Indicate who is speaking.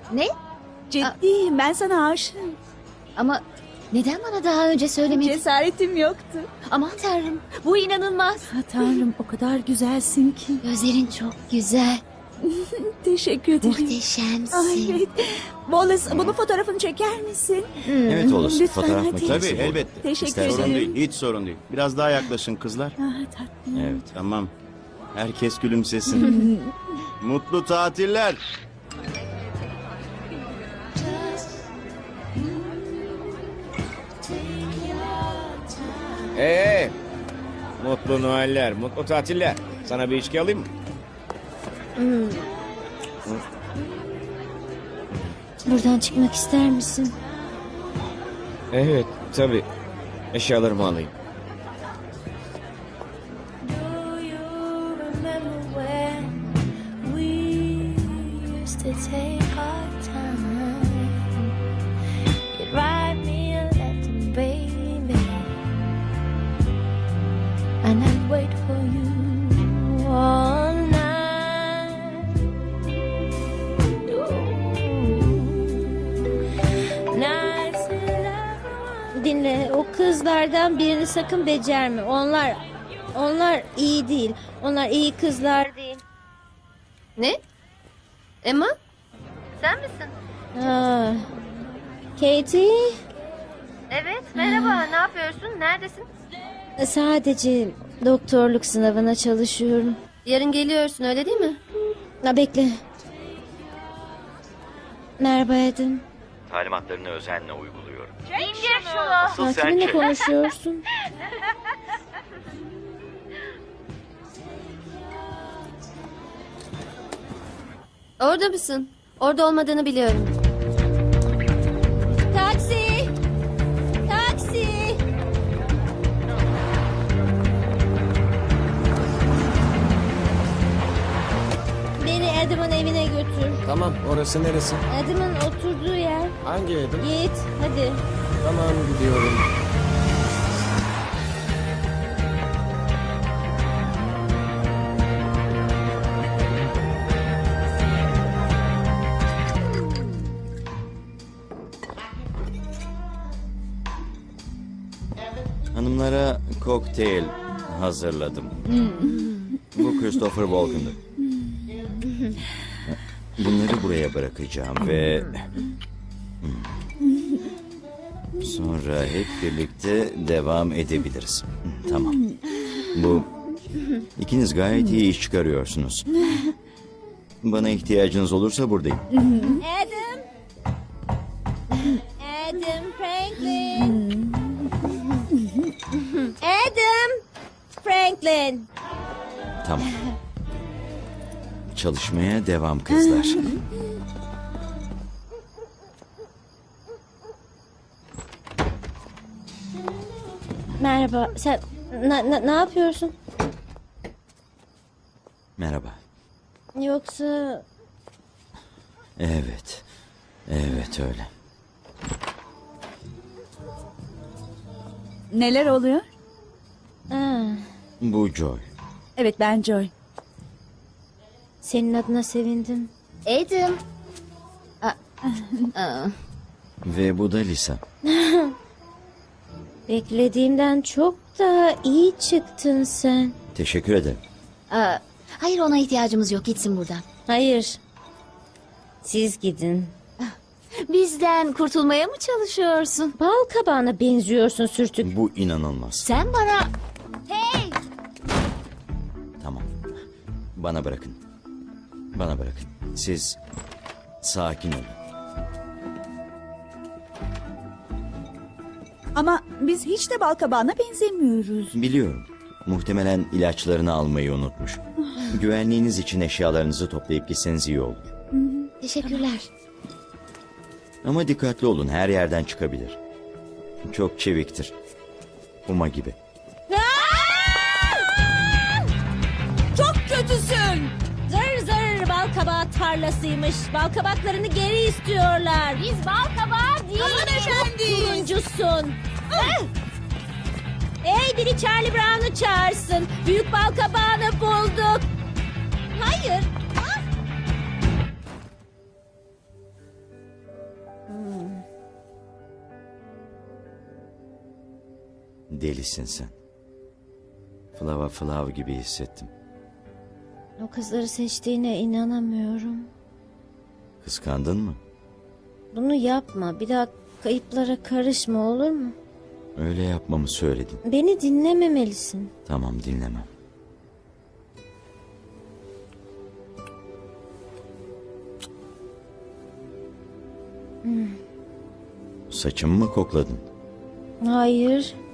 Speaker 1: Ne?
Speaker 2: Ciddiyim, ben sana aşığım.
Speaker 1: Ama neden bana daha önce söylemedin?
Speaker 2: Cesaretim yoktu.
Speaker 1: Aman tanrım, bu inanılmaz.
Speaker 2: Ha, Tanrım, o kadar güzelsin ki.
Speaker 1: Gözlerin çok güzel.
Speaker 2: Teşekkür ederim.
Speaker 1: Muhteşemsin.
Speaker 2: Ay, evet. Wallace, bunun fotoğrafını çeker misin?
Speaker 3: Evet olur.
Speaker 2: Lütfen,
Speaker 3: Fotoğraf
Speaker 2: hadi.
Speaker 3: makinesi
Speaker 4: Tabii
Speaker 3: bu.
Speaker 4: elbette.
Speaker 2: Teşekkür
Speaker 3: İstersen-
Speaker 4: Sorun
Speaker 2: ederim.
Speaker 4: değil, hiç sorun değil. Biraz daha yaklaşın kızlar.
Speaker 2: Ah, tatlım.
Speaker 3: Evet.
Speaker 4: Tamam. Herkes gülümsesin. Mutlu tatiller.
Speaker 5: Mutlu Noeller, mutlu tatiller. Sana bir içki alayım mı?
Speaker 1: Buradan çıkmak ister misin?
Speaker 5: Evet, tabii. Eşyalarımı alayım.
Speaker 6: Do you remember when we used to take our time? You'd write me a letter, baby, and I'd wait for you all night. Ooh. Nights in love.
Speaker 7: Dinle, o kızlardan birini sakın becerme. Onlar iyi değil. Onlar iyi kızlar değil.
Speaker 1: Ne? Emma? Sen misin?
Speaker 7: Ha. Katie,
Speaker 1: Evet, merhaba. Ne yapıyorsun? Neredesin?
Speaker 7: sadece doktorluk sınavına çalışıyorum.
Speaker 1: Yarın geliyorsun, öyle değil mi?
Speaker 7: Ha, bekle. Merhaba Adam.
Speaker 3: Talimatlarını özenle uyguluyorum.
Speaker 7: Ha, kiminle konuşuyorsun?
Speaker 1: Orada mısın? Orada olmadığını biliyorum.
Speaker 7: Taksi! Taksi! Beni Adam'ın evine götür.
Speaker 5: Tamam, orası neresi?
Speaker 7: Adam'ın oturduğu yer.
Speaker 5: Hangi evim?
Speaker 7: Git, hadi.
Speaker 5: Tamam, gidiyorum.
Speaker 3: Hanımlara kokteyl hazırladım. Bu Christopher Walken'dı. Bunları buraya bırakacağım ve... Sonra hep birlikte devam edebiliriz. Tamam. Bu... İkiniz gayet iyi iş çıkarıyorsunuz. Bana ihtiyacınız olursa buradayım.
Speaker 7: Adam! Adam Franklin! Adam! Franklin!
Speaker 3: Tamam. Çalışmaya devam kızlar.
Speaker 7: Merhaba, sen ne yapıyorsun?
Speaker 3: Merhaba.
Speaker 7: Yoksa
Speaker 3: Evet. Evet öyle.
Speaker 2: Neler oluyor?
Speaker 3: Bu Joy.
Speaker 2: Evet, ben Joy.
Speaker 7: senin adına sevindim.
Speaker 1: Adam. Aa,
Speaker 3: Ve bu da Lisa.
Speaker 7: Beklediğimden çok daha iyi çıktın sen.
Speaker 3: Teşekkür ederim.
Speaker 1: hayır, ona ihtiyacımız yok. Gitsin buradan.
Speaker 7: Hayır. Siz gidin.
Speaker 1: Bizden kurtulmaya mı çalışıyorsun?
Speaker 7: Bal kabağına benziyorsun sürtük.
Speaker 3: Bu inanılmaz.
Speaker 1: Sen bana... Hey!
Speaker 3: Tamam. Bana bırakın. Bana bırakın. Siz sakin olun.
Speaker 2: Ama biz hiç de balkabağına benzemiyoruz.
Speaker 3: Biliyorum. Muhtemelen ilaçlarını almayı unutmuş. Güvenliğiniz için eşyalarınızı toplayıp gitseniz iyi olur.
Speaker 1: Teşekkürler.
Speaker 3: Ama dikkatli olun, her yerden çıkabilir. Çok çeviktir. Uma gibi.
Speaker 7: Çok kötüsün. Zır zır bal kabağı tarlasıymış. Bal kabaklarını geri istiyorlar. Biz bal kabağı değil. Aman efendim. Turuncusun. Hey, biri Charlie Brown'u çağırsın. Büyük bal kabağını bulduk. Hayır.
Speaker 3: Delisin sen. Flava Flav gibi hissettim.
Speaker 6: O kızları seçtiğine inanamıyorum.
Speaker 3: Kıskandın mı?
Speaker 6: Bunu yapma. Bir daha kayıplara karışma, olur mu?
Speaker 3: Öyle yapmamı söyledin.
Speaker 6: Beni dinlememelisin.
Speaker 3: Tamam, dinlemem. Saçımı mı kokladın?
Speaker 6: Hayır.